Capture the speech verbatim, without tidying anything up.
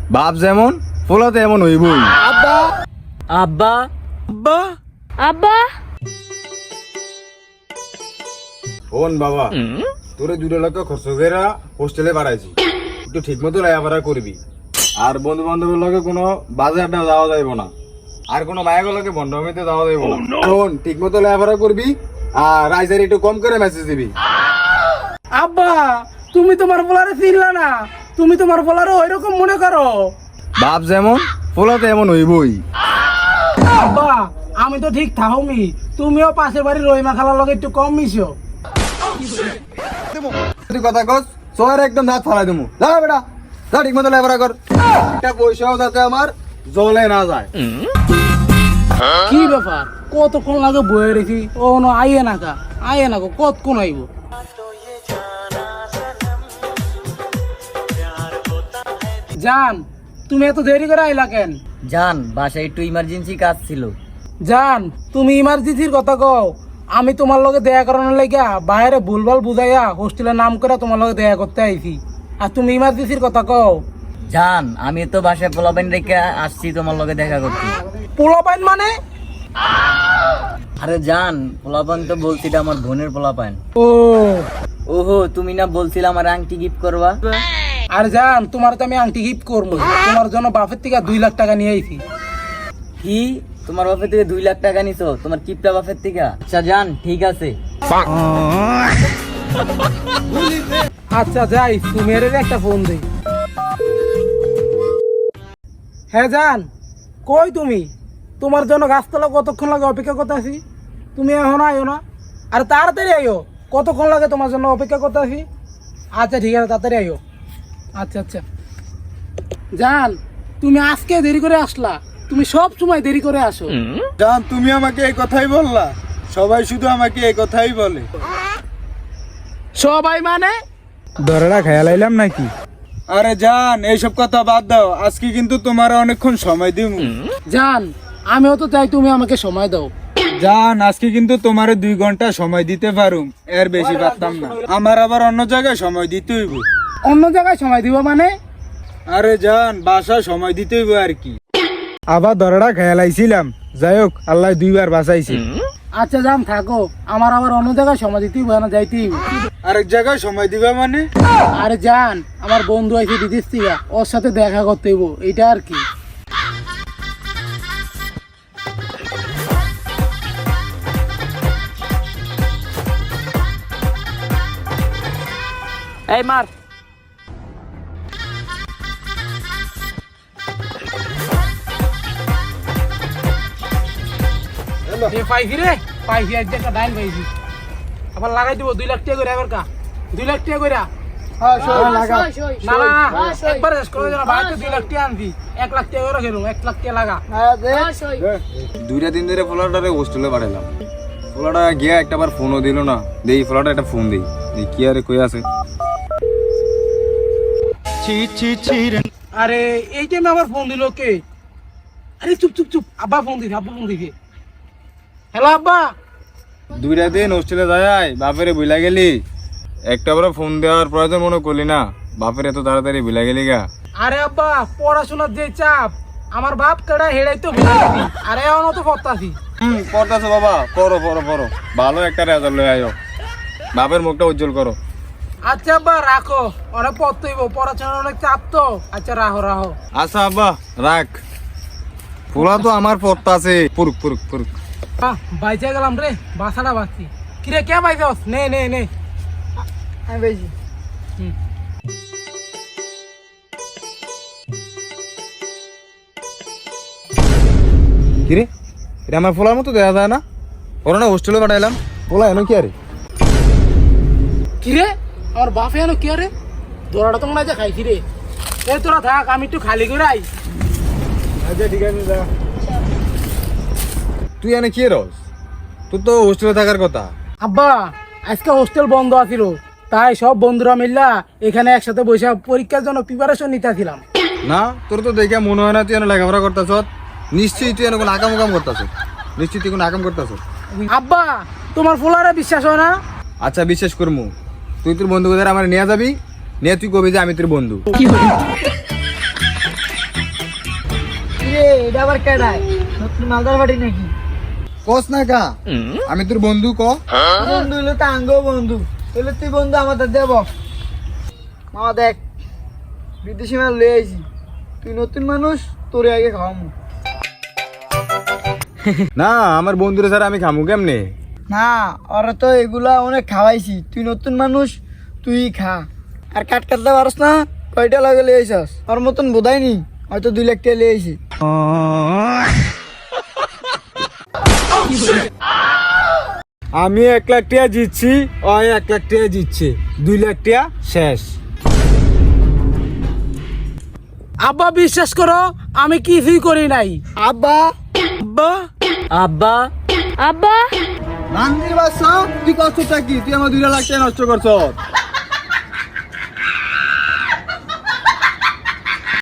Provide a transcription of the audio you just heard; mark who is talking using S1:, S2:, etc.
S1: বাপ যেমন পোলাতে এমন হইবই।
S2: আব্বা
S3: আব্বা
S2: আব্বা
S4: আব্বা
S1: ফোন বাবা, তোরে দুটো লক্ষ খরচ করে হোস্টেলে বাড়াইছি, একটু ঠিক মতো লেখাপড়া করবি। আর বন্ধু বান্ধবের লগে কোনো বাজে আড্ডা যাওয়া যাইব না, আর কোনো মায়ের লগে বন্ধমিতে যাওয়া যাইব না। ফোন ঠিক মতো লেখাপড়া করবি, আর রাইজার একটু কম করে মেসেজ দিবি।
S2: আব্বা তুমি তোমার বলারে চিনলা না, তুমি তোমার বলারে ওইরকম মনে করো।
S1: বাপ যেমন পোলাতে এমন হইবই।
S2: আব্বা আমি তো ঠিক থাকমি, তুমিও পাশের বাড়ির রহিমা খালার লগে একটু কম মিশো।
S1: তুই কথা কস সোয়ার একদম দাঁত ফালাই দেবো। যা বেটা যা, ঠিক মতো লেখাপড়া কর, একটা পয়সাও যাতে আমার জলে না যায়।
S2: কি ব্যাপার, কতক্ষণ লাগে বয়ে রেখি, ও না আইয়ে না কা আইয়ে না গো, কতক্ষণ আইব? জান তুমি এত দেরি করে আইলা কেন?
S3: জান বাসায় একটু ইমার্জেন্সি কাজ ছিল।
S2: জান তুমি ইমার্জেন্সির কথা কও, আমি তোমার লগে দেখা করানোর লাগিয়া বাইরে ভুলভাল বুঝাইয়া হোস্টেলের নাম করে তোমার লগে দেখা করতে আইছি, আর তুমি ইমার্জেন্সির কথা কও।
S3: জান আমি তো বাসায় পোলাপাইন রেখে আসছি তোমার লগে দেখা করতে।
S2: পোলাপাইন মানে?
S3: আরে জান পোলাপাইন তো বলছিল আমার বোনের পোলাপাইন।
S2: ও
S3: ওহো তুমি না বলছিলে আমার আংটি গিফট করবা?
S2: আর জান তোমার তো আমি আংটি গিফট করবো, তোমার জন্য বাপের থেকে দুই লাখ টাকা নিয়ে আইছি।
S3: কি তোমার বাপের থেকে দুই লাখ টাকা নিছো তোমার কিপটা বাপের থেকে? আচ্ছা জান ঠিক আছে।
S2: আচ্ছা যাই, তুমি এর একটা ফোন দেই। হ্যাঁ জান কই তুমি? তোমার জন্য গাছতলা কতক্ষণ লাগে অপেক্ষা করতে আছি, তুমি এখন আইও না। আর তাড়াতাড়ি আইও, কতক্ষণ লাগে তোমার জন্য অপেক্ষা করতে আছি। আচ্ছা ঠিক আছে তাড়াতাড়ি আইও। আচ্ছা আচ্ছা জান তুমি আজকে দেরি করে আসলা, তুমি সব সময় দেরি করে আসো।
S1: জান তুমি আমাকে এই কথাই বললা? সবাই শুধু আমাকে এই কথাই বলে।
S2: সবাই মানে?
S1: ধরেরা খেয়াল আইলাম নাকি? আরে জান এইসব কথা বাদ দাও, আজকে কিন্তু তোমার অনেকক্ষণ সময় দিব।
S2: জান আমিও তো চাই তুমি আমাকে সময় দাও।
S1: জান আজকে কিন্তু তোমার দুই ঘন্টা সময় দিতে পারুম, এর বেশি পারতাম না। আমার আবার অন্য জায়গায় সময় দিতে হইব।
S2: অন্য জায়গায় সময় দিব মানে?
S1: আরে জান বাসায় সময় দিতে হইব আর কি। আবার ধরেরা খেয়াল আইছিলাম, যাই হোক আল্লাহ দুইবার বাঁচাইছে।
S2: আচ্ছা জান থাকো, আমার আবার অন্য জায়গায় সময় দিতেই হবে না, যাইতেই হবে।
S1: আরেক জায়গায় সময় দিবা মানে?
S2: আরে জান আমার বন্ধু আছে বিদেশ থেকে, ওর সাথে দেখা করতে হইব, এইটা আর কি। এই মার পাইছি রে, পাইছি আজ একটা ডাইন পাইছি। আবার লাগাই দিব দুই লাখ টাকা করে, এবার কা দুই লাখ টাকা করে। না না না একবার শেষ করে দিলাম, বাড়িতে দুই লাখ টাকা আনছি, এক লাখ টাকা করে খেলুম, এক লাখ টাকা লাগা।
S1: দুইটা দিন ধরে ফোলাটারে হোস্টেলে পাঠালাম, ফোলাটা গিয়া একটাবার ফোনও দিল না। দেই ফোলাটা একটা ফোন দেই, দেই কি আরে কই আছে।
S2: আরে এই টাইমে আবার ফোন দিল কে? আরে চুপ চুপ চুপ, আব্বা ফোন দিছে, আব্বা ফোন দিছে। হ্যালো আব্বা।
S1: দুইটা দিন হোস্টেলে যাই বাপেরে বুইলা গেলি, একটা বার ফোন দেওয়ার প্রয়োজন মনে করলি না, বাপের এত তাড়াতাড়ি বুইলা গেলি গা।
S2: আরে আব্বা পড়াশোনার যে চাপ, আমার বাপ কেডা হেড়াই তো ভুলে গেছি, আরে এখনো তো পড়তাছি।
S1: হুম পড়তাছো বাবা, পড়ো পড়ো পড়ো, ভালো একটা রেজাল্ট লয়ে আয়ো, বাপের মুখটা উজ্জ্বল করো।
S2: আচ্ছা আব্বা রাখো, অনেক পড়তে হইব, পড়াশোনার অনেক চাপ তো। আচ্ছা রাখো রাখো।
S1: আচ্ছা আব্বা রাখ, পোলা তো আমার পড়তাছে, পুরুক পুরুক পুরুক।
S2: বাহ বাইচা গেলাম রে, বাসাটা বাঁচছি। কিরে কে বাইছস? নে নে নে আমি বাইছি। হুম
S1: কিরে এটা আমার পোলার মতো দেখা যায় না? ওরা না হোস্টেলে পাঠাইলাম, পোলা এনো কি আরে?
S2: কিরে আমার বাপে এনো কি আরে? দোরাটা তো মনে হয় যে খাইছি রে। এ তোরা থাক, আমি একটু খালি করে আই।
S1: আচ্ছা ঠিক আছে যা। তুই এনে কি রস? তুই তো হোস্টেলে থাকার কথা।
S2: আব্বা আজকে হোস্টেল বন্ধ আছিল, তাই সব বন্ধুরা মিল্লা এখানে একসাথে বসে পরীক্ষার জন্য প্রিপারেশন নিতেছিলাম।
S1: না তোর তো দেখে মনে হয় না তুই এনে লেখাপড়া করতেছ, নিশ্চয়ই তুই এনে কোনো আকাম উকাম করতেছ, নিশ্চয়ই তুই কোনো আকাম করতেছ।
S2: আব্বা তোমার ফুলারে বিশ্বাস হয় না?
S1: আচ্ছা বিশ্বাস করমু, তুই তোর বন্ধুদের আমার নিয়ে যাবি, নিয়ে তুই কবি যে আমি তোর বন্ধু।
S3: রে এটা আবার কেডায় নতুন মালদার বাড়ি নাকি
S1: কস না কা আমি তোর বন্ধু ক
S3: বন্ধু হইলে তো আঙ্গো বন্ধু তাহলে তুই বন্ধু আমাদের দেব মামা দেখ বিদেশি মাল লয়ে আইছি তুই নতুন মানুষ তোরে আগে খাওয়ামু
S1: না আমার বন্ধুরে স্যার আমি খামু কেমনে
S3: না ওরা তো এগুলা অনেক খাওয়াইছি তুই নতুন মানুষ তুই খা আর কাট কাটতে পারস না কয়টা লাগে লিয়ে আইসাস ওর মতন বোধাই নি হয়তো দুই লাখ টাকা লিয়ে আইছি
S1: আমি এক লাখ টাকা জিতছি ও এক লাখ টাকা জিতছে দুই লাখ টাকা শেষ
S2: আব্বা বিশ্বাস করো আমি কিছুই করি নাই।
S3: আব্বা
S2: আব্বা
S3: আব্বা
S4: আব্বা
S1: রান্দির বাসা তুই কষ্টটা কি তুই আমার দুই লাখ টাকা নষ্ট করছ